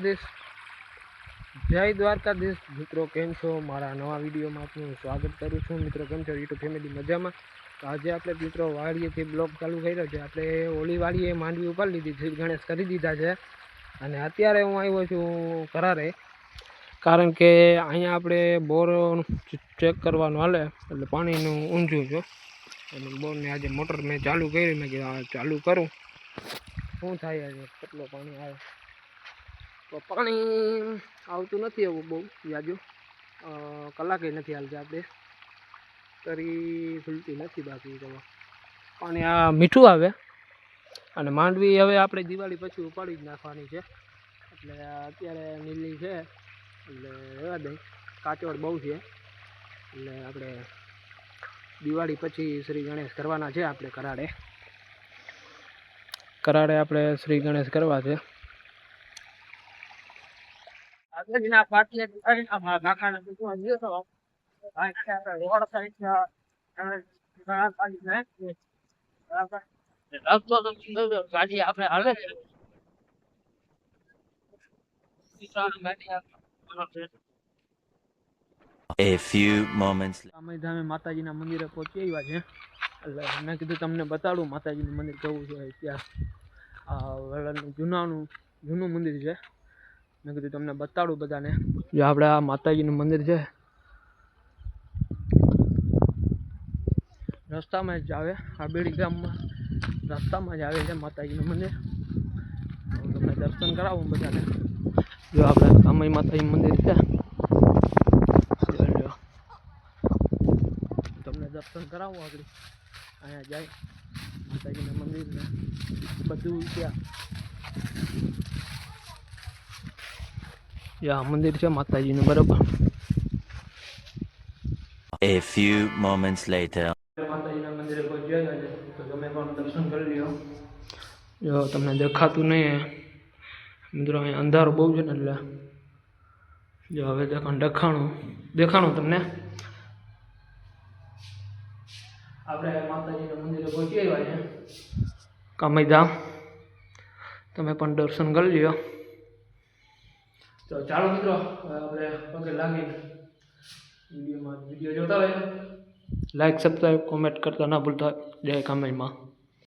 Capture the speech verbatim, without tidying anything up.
દ્વારકાધીશ જય દ્વારકાધીશ મિત્રો, કેમ છો? મારા નવા વિડીયોમાં આપનું સ્વાગત કરું છું. મિત્રો કેમ છો? યુટ્યુબ ફેમિલી મજામાં? તો આજે આપણે મિત્રો વાડીએથી બ્લોગ ચાલુ કર્યો છે. આપણે ઓલી વાડીએ માંડવી ઉપાડી લીધી, શ્રી ગણેશ કરી દીધા છે અને અત્યારે હું આવ્યો છું કરારે, કારણ કે અહીંયા આપણે બોર ચેક કરવાનું હાલે એટલે પાણીનું ઊંઝું છે અને બોરને આજે મોટર મેં ચાલુ કરી, મેં કીધું ચાલુ કરું શું થાય છે, કેટલું પાણી આવે. તો પાણી આવતું નથી એવું બહુ જાજુ, કલાકે નથી હાલતી, આપણે તરી ખુલતી નથી. બાકી તો પાણી આ મીઠું આવે અને માંડવી હવે આપણે દિવાળી પછી ઉપાડી જ નાખવાની છે. એટલે અત્યારે નીલી છે એટલે રહેવા દઈ, કાચોડ બહુ છે એટલે આપણે દિવાળી પછી શ્રી ગણેશ કરવાના છે. આપણે કરાડે કરાડે આપણે શ્રી ગણેશ કરવા છે. A few moments અમે ધામે માતાજીના મંદિરે પહોંચી આવ્યા છે એટલે મેં કીધું તમને બતાડું માતાજીનું મંદિર કેવું છે. ત્યાં આ વલણનું જૂનાનું જૂનું મંદિર છે. મેં કીધું તમને બતાડું બધાને. જો આપણે આ માતાજીનું મંદિર છે, રસ્તામાં જ આવે, આ બેડી ગામમાં રસ્તામાં જ આવે છે માતાજીનું મંદિર. હું તમને દર્શન કરાવું બધાને. જો આપણે કામય માતાજી મંદિર છે, તમને દર્શન કરાવું. આગળ અહીંયા જાય માતાજીના મંદિરને બધું ત્યાં આ મંદિર છે માતાજીનું, બરોબર. A few moments later. માતાજીના મંદિરે પહોંચી ગયા છે તો તમે પણ દર્શન કરી લ્યો. જો તમને દેખાતું નહીં મિત્રો, અહીંયા અંધારું બહુ છે ને એટલે જો હવે દેખાણ દેખાણું દેખાણું તમને. આપણે માતાજીના મંદિરે પહોંચી આવ્યા છે કામયધામ, તમે પણ દર્શન કરી લ્યો. તો ચાલો મિત્રો, આપણે પગે લાગીને વિડીયોમાં વિડીયો જોતા હોય, લાઈક સબસ્ક્રાઈબ કોમેન્ટ કરતા ના ભૂલતા. જય કામયમાં.